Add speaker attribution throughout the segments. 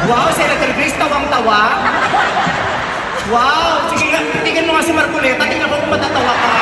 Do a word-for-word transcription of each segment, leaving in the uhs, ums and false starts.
Speaker 1: Wow, Senator Grace, tawang-tawa. Wow, sige nga, tingnan mo nga si Marcoleta, tingnan ko kung matatawa ka.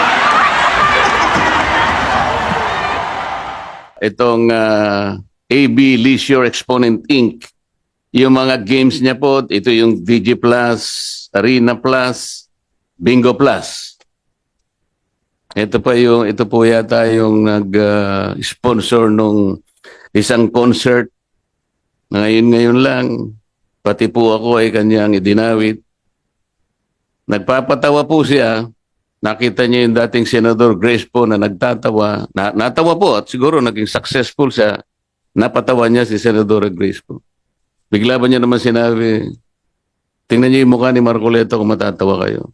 Speaker 2: Itong ah, A B Leisure Exponent Incorporated. Yung mga games niya po, ito yung V G Plus, Arena Plus, Bingo Plus. Ito pa yung, ito po yata yung nag-sponsor nung isang concert. Ngayon-ngayon lang, pati po ako ay kanyang idinawit. Nagpapatawa po siya. Nakita niya yung dating Senador Grace po na nagtatawa. Na, natawa po at siguro naging successful siya. Napatawa niya si Senador Grace po. Bigla ba niya naman sinabi, tingnan niyo yung mukha ni Marcoleta kung matatawa kayo.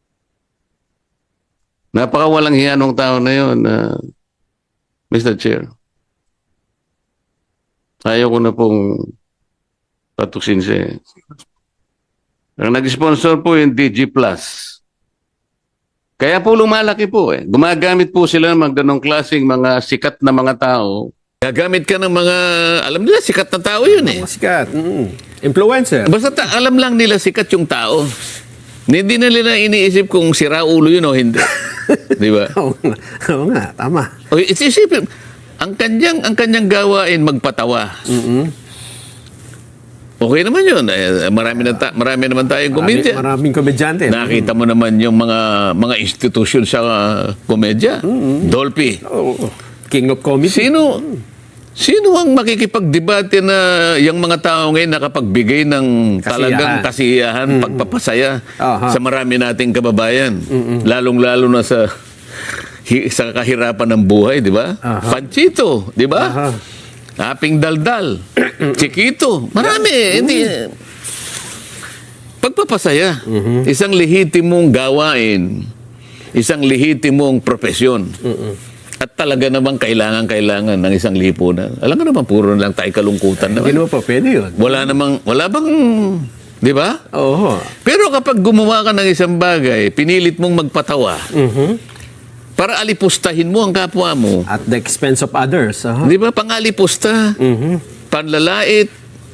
Speaker 2: Napakawalang hiya nung tao na yun, uh, Mister Chair. Ayaw ko na pong patuksin siya. Ang nag-sponsor po yung D G Plus. Kaya po lumalaki po eh. Gumagamit po sila ng mga ganong klaseng mga sikat na mga tao. Gagamit ka ng mga, alam nila, sikat na tao yun eh.
Speaker 3: Sikat. Mm. Influencer.
Speaker 2: Basta ta- alam lang nila sikat yung tao. Hindi na nila iniisip kung sira ulo yun o hindi. Di ba?
Speaker 3: Oo nga. Oo nga, tama.
Speaker 2: O, isipin, ang kanyang, ang kanyang gawain magpatawa.
Speaker 3: Mm-hmm.
Speaker 2: Okay naman yun. Eh, marami, na ta- marami naman tayong komedya.
Speaker 3: Maraming komedyante.
Speaker 2: Nakita mo naman yung mga mga institusyon sa uh, komedya.
Speaker 3: Mm-hmm.
Speaker 2: Dolphy.
Speaker 3: Oh, King of Comedy.
Speaker 2: Sino sino ang makikipagdebate na yung mga tao ngayon nakapagbigay ng talagang kasiyahan, mm-hmm. pagpapasaya
Speaker 3: Aha.
Speaker 2: sa marami nating kababayan, mm-hmm. lalong-lalo na sa hi, sa kahirapan ng buhay, di ba? Panchito, di ba? Aping Daldal, Chiquito, marami. Hindi pagpapasaya. Mm-hmm. Isang lehitimong gawain, isang lehitimong profesyon. Mm-hmm. At talaga namang kailangan-kailangan ng isang lipunan. Alam nga naman, puro lang tayo kalungkutan naman.
Speaker 3: Hindi naman pa, pwede yun.
Speaker 2: Wala namang, wala bang, di ba?
Speaker 3: Oo.
Speaker 2: Pero kapag gumawa ka ng isang bagay, pinilit mong magpatawa,
Speaker 3: Mm-hmm.
Speaker 2: para alipustahin mo ang kapwa mo.
Speaker 3: At the expense of others. Uh-huh.
Speaker 2: Di ba? Pangalipusta,
Speaker 3: Mm-hmm.
Speaker 2: panlalait.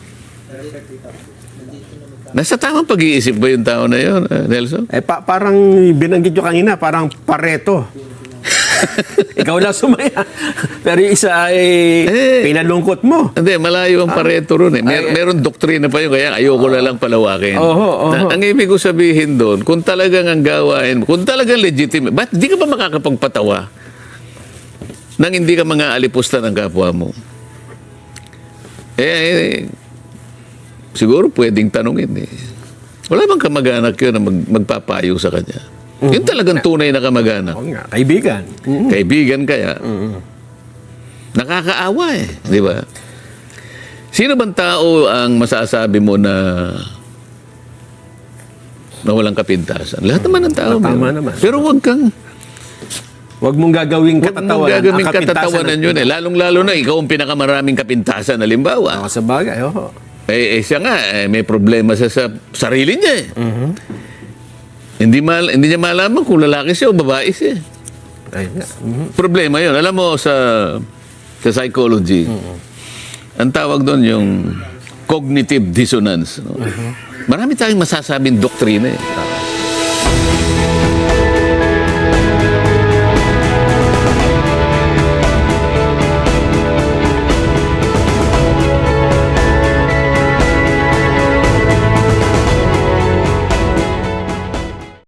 Speaker 2: Nasa tamang pag-iisip ba yung tao na yun, uh, Nelson?
Speaker 3: Eh, pa- parang binanggit nyo kanina, parang Pareto. Ikaw lang sumaya. Pero yung isa ay
Speaker 2: Eh,
Speaker 3: pinalungkot mo.
Speaker 2: Hindi, malayo ang Pareto ron eh. Mer- meron doktrina pa yun, kaya ayoko na lang palawakin.
Speaker 3: Oho, oho.
Speaker 2: Na, ang ibig ko sabihin doon, kung talagang ang gawain, kung talagang legitimate, ba't di ka ba makakapagpatawa nang hindi ka mga alipusta ng kapwa mo? Eh, eh siguro pwedeng tanungin eh. Wala bang kamag-anak yun na mag, magpapayo sa kanya? Mm-hmm. Yun talagang tunay na kamag-anak.
Speaker 3: Oo nga, kaibigan. Mm-hmm.
Speaker 2: Kaibigan kaya.
Speaker 3: Mm-hmm.
Speaker 2: Nakakaawa eh, di ba? Sino bang tao ang masasabi mo na na walang kapintasan? Lahat naman ng tao.
Speaker 3: Tama
Speaker 2: meron.
Speaker 3: naman.
Speaker 2: Pero wag kang
Speaker 3: Huwag mong gagawing
Speaker 2: wag mong
Speaker 3: katatawanan.
Speaker 2: gagawing
Speaker 3: ang kapintasan
Speaker 2: katatawanan
Speaker 3: ng-
Speaker 2: yun eh. Lalong-lalo na ikaw ang pinakamaraming kapintasan, halimbawa.
Speaker 3: Oo, sa bagay, oo.
Speaker 2: Eh, eh siya nga, eh, may problema siya sa sarili niya eh.
Speaker 3: Mm-hmm.
Speaker 2: Hindi, mal, hindi niya malaman kung lalaki siya o babae siya.
Speaker 3: Ayun nga. Mm-hmm.
Speaker 2: Problema yun. Alam mo, sa, sa psychology, ang tawag doon yung cognitive dissonance. No? Marami tayong masasabing doktrina eh.